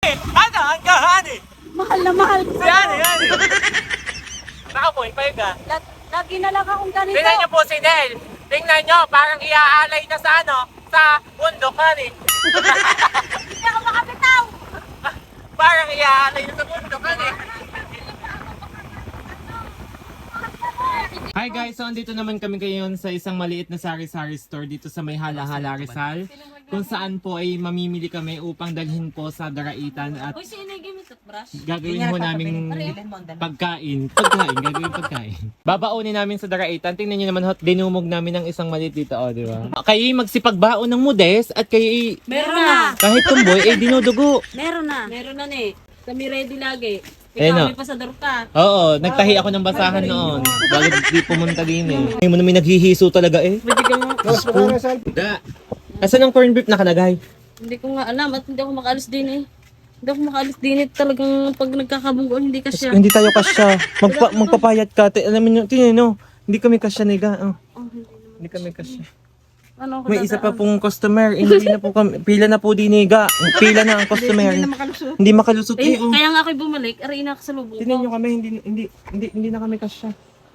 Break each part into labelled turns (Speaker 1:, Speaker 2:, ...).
Speaker 1: Ano? Ang kahani.
Speaker 2: Mahal na mahal ko.
Speaker 1: Yan. Nakapoy pa yun ka.
Speaker 2: Lagi na lang akong ganito.
Speaker 1: Tingnan niyo po si Nel. Tingnan niyo, parang iaalay na sa sa bundok hani.
Speaker 2: Hindi ako makabitaw.
Speaker 1: Parang iaalay na sa bundok hani. Hi guys, so andito naman kami ngayon sa isang maliit na sari-sari store dito sa may Hala-Hala Rizal. Kung saan po ay mamimili kami upang dalhin po sa Daraitan at
Speaker 2: Uy, sino yung gamit at brush?
Speaker 1: gagawin ho namin pagkain. Gagawin pagkain. Babaunin namin sa Daraitan. Tingnan nyo naman ho, dinumog namin ng isang maliit dito, di ba? Kayo magsipagbaon ng mudes at kayo
Speaker 2: Meron na.
Speaker 1: kahit tumboy ay dinudugo.
Speaker 2: Meron na. Meron na eh. Kami ready lagi.
Speaker 1: Eh,
Speaker 2: Ikaw,
Speaker 1: no.
Speaker 2: may pasador ka.
Speaker 1: Oo, nagtahi ako ng basahan noon. Bago di pumunta din eh. Ay mo na may naghihiso talaga eh.
Speaker 2: Pwede ka mo.
Speaker 1: Da. Asan ang corn beef nakalagay?
Speaker 2: Hindi ko nga alam at hindi ako makaalis din eh. Hindi ako makaalis din eh. Talagang pag nagkakabunggo, hindi ka siya.
Speaker 1: Hindi tayo kasya. Magpapayat ka. Alam mo, tingnan no. Hindi kami kasya niga. Oh. Hindi kami kasya.
Speaker 2: Ano ako
Speaker 1: May isa pa pong customer. Hindi na po kami. Pila na po diniga. Pila na ang customer. Hindi makalusot eh. Oh.
Speaker 2: Kaya nga ako'y bumalik, aray na sa lubong
Speaker 1: Tingnan nyo
Speaker 2: ko.
Speaker 1: kami. Hindi na kami kasya.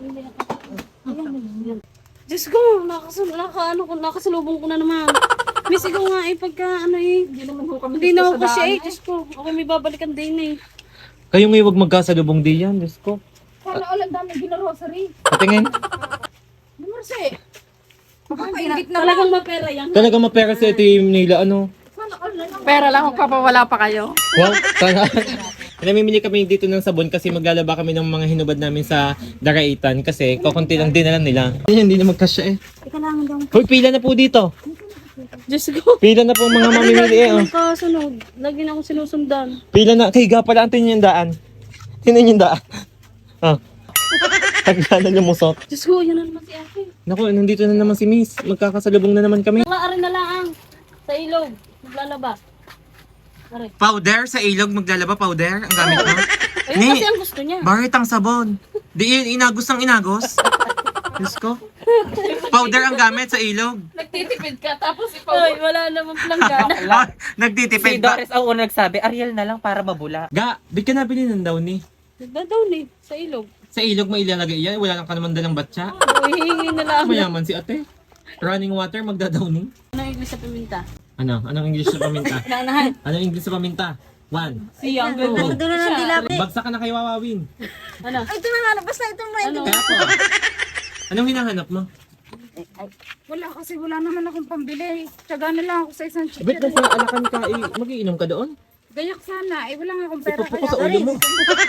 Speaker 2: Diyos ko, nakasalubong ko na naman. Miss, ikaw nga eh, pagka ano eh. Hindi na ako kasi eh, Diyos ko. Ako may babalikan din eh.
Speaker 1: Kayo ngayon wag magkasalubong diyan. Diyos ko.
Speaker 3: Sana ulan dami ginarosary.
Speaker 1: Patingin.
Speaker 3: Marse. Makakaingit na lang.
Speaker 2: Talagang mapera yan.
Speaker 1: Talaga mapera sa team nila. Ano?
Speaker 3: Pera lang kung papawala pa kayo.
Speaker 1: Wow, sana. Namimili kami dito ng sabon kasi maglalaba kami ng mga hinubad namin sa Daraitan kasi kukunti lang din alam nila. Hindi na magkasya eh.
Speaker 2: Kailangan daw.
Speaker 1: Hoy, pila na po dito.
Speaker 2: Diyos ko.
Speaker 1: Pila na po mga mamimili eh. Oh.
Speaker 2: Kasunod. Lagi na akong sinusundan.
Speaker 1: Pila na. Kay pala, antin yung daan. Tinan yung daan. Ah. Tagla na lumusot.
Speaker 2: Diyos ko, yan na naman si Ate.
Speaker 1: Naku, nandito na naman si Miss. Magkakasalubong na naman kami.
Speaker 2: Mga arin na lang. Sa ilog. Maglalaba. Aray.
Speaker 1: Powder sa ilog, maglalaba powder. Ang gamit mo.
Speaker 2: Ayun kasi ang gusto niya.
Speaker 1: Bakit ang sabon? Di yun, inagos ng inagos. Diyos ko. Powder ang gamit sa ilog.
Speaker 3: Nagtitipid ka tapos
Speaker 2: Ay, wala naman planggana.
Speaker 1: Nagtitipid
Speaker 4: Si
Speaker 1: ba?
Speaker 4: Doris ang unang nagsabi, Ariel na lang para mabula.
Speaker 1: Ga, di ka nabili ng downy.
Speaker 2: Nagdadaw ni. Sa ilog.
Speaker 1: Sa ilog mo ilalagay yan, wala lang ka naman dalang batya.
Speaker 2: Hihingi na lang.
Speaker 1: Mayaman si ate. Running water, magdadowning.
Speaker 2: Anong English sa paminta?
Speaker 1: Ano? Anong English sa paminta?
Speaker 2: Naanahan.
Speaker 1: Anong English sa paminta? 1.
Speaker 2: Si Younger Gold.
Speaker 3: Doon na ng dilapit.
Speaker 1: Bagsak ka na kay Wawawin.
Speaker 2: Ano?
Speaker 3: Ay, ito na nga. Basta ito
Speaker 2: Ano?
Speaker 1: Kaya po. Anong hinahanap mo?
Speaker 3: Wala kasi wala naman akong pambili. Tiyaga na lang ako sa isang
Speaker 1: Ba't
Speaker 3: chicken.
Speaker 1: nasa alakan ka, magiinom ka doon?
Speaker 3: Gayak sana. Wala nga akong pera.
Speaker 1: Ipupo ko sa ulo mo.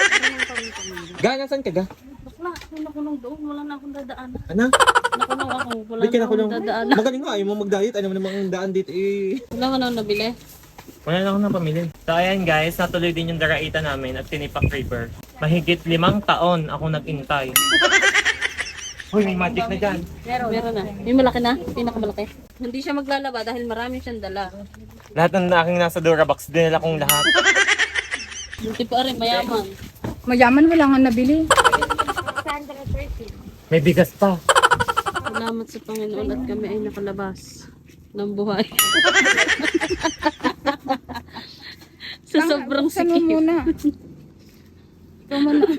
Speaker 1: Ga, nasan ka ga?
Speaker 2: Bakla, may nakulong doon. Wala na akong dadaan.
Speaker 1: Ano?
Speaker 2: Nakulong ako. Wala
Speaker 1: Ba't ka
Speaker 2: na akong
Speaker 1: nakulong?
Speaker 2: dadaan.
Speaker 1: Magaling nga, ayaw mo mag-diet. Ano mo namang ang daan dito eh.
Speaker 2: Wala ka na nabili.
Speaker 1: Wala na ako na pamili. So ayan guys, natuloy din yung Daraitan namin at Tinipak River. Mahigit 5 taon ako nag-intay. Hoy, may magic na dyan.
Speaker 2: Meron na. May malaki na. Pinakamalaki. Hindi siya maglalaba dahil marami siyang dala.
Speaker 1: Lahat ng aking nasa Durabox, dinala kong lahat.
Speaker 2: Buti pa rin, mayaman.
Speaker 3: Mayaman wala nga nabili.
Speaker 1: May bigas pa.
Speaker 2: Salamat sa Panginoon at kami ay nakalabas ng buhay. Sa sobrang
Speaker 3: Buksan mo
Speaker 2: sikip.
Speaker 3: muna.
Speaker 2: Ikaw man na.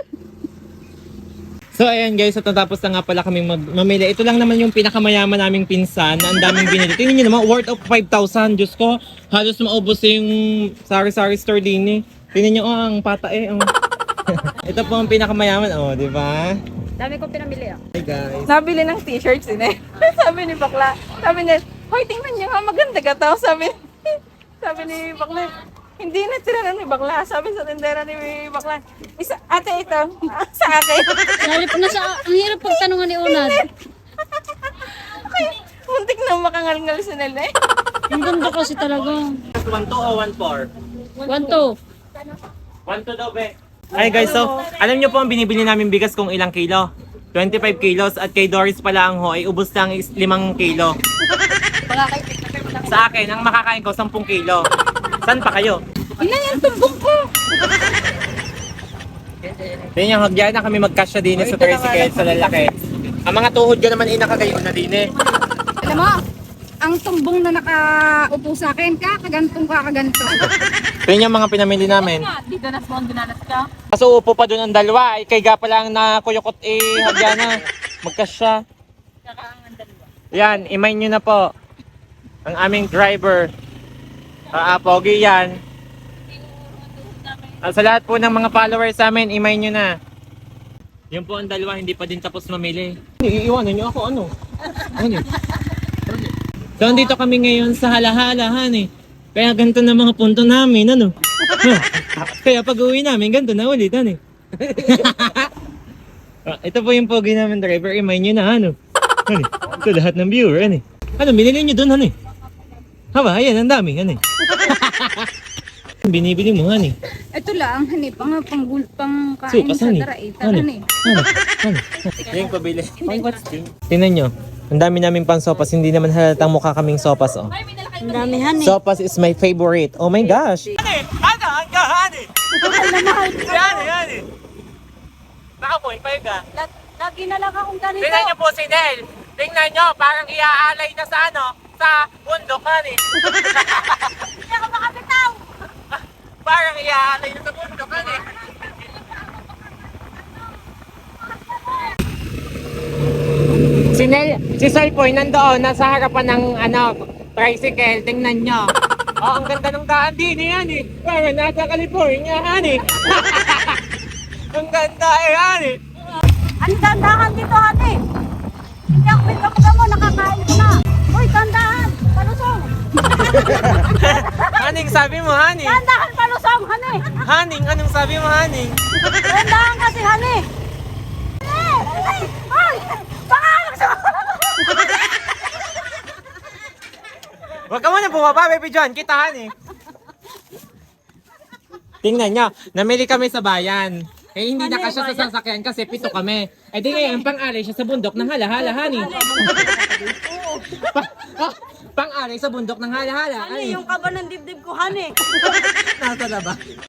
Speaker 1: So ayan guys, at natapos na nga pala kaming mamili. Ito lang naman yung pinakamayaman naming pinsan na ang daming binili. Tingnan nyo naman, worth of 5,000. Diyos ko, halos maubos yung sari-sari store din eh. Tingnan nyo, oh, ang pata eh. Oh. Ito po ang pinakamayaman, oh, di ba?
Speaker 3: Dami ko pinamili ah.
Speaker 1: Hey guys.
Speaker 3: Nabili ng t-shirts din eh. Sabi ni Bakla. Sabi niya, hoy tingnan niyo nga maganda ka tao. Sabi ni Bakla. Hindi na tiranan ni Bakla. Sabi sa tindera ni Bakla. Isa, ate ito. Sa akin.
Speaker 2: Halip na sa, ang hirap pagtanungan ni Unad.
Speaker 3: Okay. Muntik na makangal-ngal si Nel eh.
Speaker 2: Ang ganda kasi talaga.
Speaker 1: 1-2 o 1-4?
Speaker 2: 1-2.
Speaker 1: 1-2 daw, be. Ay guys, so, alam nyo po ang binibili namin bigas kung ilang kilo? 25 kilos at kay Doris pala ang ho ay ubos lang 5 kilo. Sa akin, ang makakain ko 10 kilo. Saan pa kayo?
Speaker 3: Ilan yung tumbong ko?
Speaker 1: Yan yung hagyan na kami magkasya din sa tricycle sa lalaki. Ang mga tuhod ka naman ay nakagayon na din eh.
Speaker 3: Alam mo, ang tumbong na nakaupo sa akin, kakagantong kakaganto.
Speaker 1: Tingnan yung mga pinamili namin.
Speaker 3: Dito na spawn dinanas ka.
Speaker 1: Kaso upo pa doon ang dalawa. Kay Gapa lang na kuyukot hagyana. Magkasya. Yan, imay nyo na po. Ang aming driver. Pogi yan. Sa lahat po ng mga followers sa amin, imay nyo na. Yun po ang dalawa, hindi pa din tapos mamili. Iiwanan nyo ako, ano? Ano? So, andito kami ngayon sa halahalahan eh. Kaya ganito na mga punto namin, ano? Kaya pag uwi namin, ganito na ulit, ano eh. Ito po yung pogi namin driver, imay nyo na, ano? Ano? Ito lahat ng viewer, ano eh. Ano, binili nyo dun, ano eh. Haba, ayan, ang dami, ano eh. Binibili mo, hani.
Speaker 2: Ito lang, hani, pang kain
Speaker 1: Sukas,
Speaker 2: sa
Speaker 1: hani.
Speaker 2: daraita,
Speaker 1: Hani.
Speaker 2: hani.
Speaker 1: Ano? Yung pabili. Tingnan nyo. Ang dami namin pang sopas. Hindi naman halatang mukha kaming sopas, oh.
Speaker 2: Ang dami, hani.
Speaker 1: Sopas is my favorite. Oh my gosh. Hani! Ano? Ang kahani! Yani! Nakapoy pa ka.
Speaker 2: Lagi na lang akong ganito.
Speaker 1: Tingnan nyo po si Nel. Tingnan nyo, parang iaalay na sa ano, sa bundok, hani.
Speaker 2: Hindi ako makabitaw.
Speaker 1: Parang iaalay na sa bundok, hani. Si Salpoy nandoon, nasa harapan ng tricycle, tingnan nyo. Oh, ang ganda ng daan din yan eh. Parang nasa California, hani. Ang ganda hani.
Speaker 2: Ang dandahan dito, hani. Hindi ako pinagkamuga mo, nakakain ko na. Uy, dandahan, palusong.
Speaker 1: Haning sabi mo, hani.
Speaker 2: Dandahan, palusong, hani.
Speaker 1: Haning, anong sabi mo, haning?
Speaker 2: Dandahan kasi, hani. Ay, pangalan sa
Speaker 1: Huwag ka muna bumaba, baby John. Kitahan eh. Tingnan nyo, namili kami sa bayan. Eh, hindi na kasya sa sasakyan kasi 7 kami. Eh, di ngayon, pang-alay siya sa bundok ng halahala, hani. Pang-alay sa bundok ng halahala, hani.
Speaker 2: Yung kaba ng dibdib ko, hani.
Speaker 1: Nasa na ba?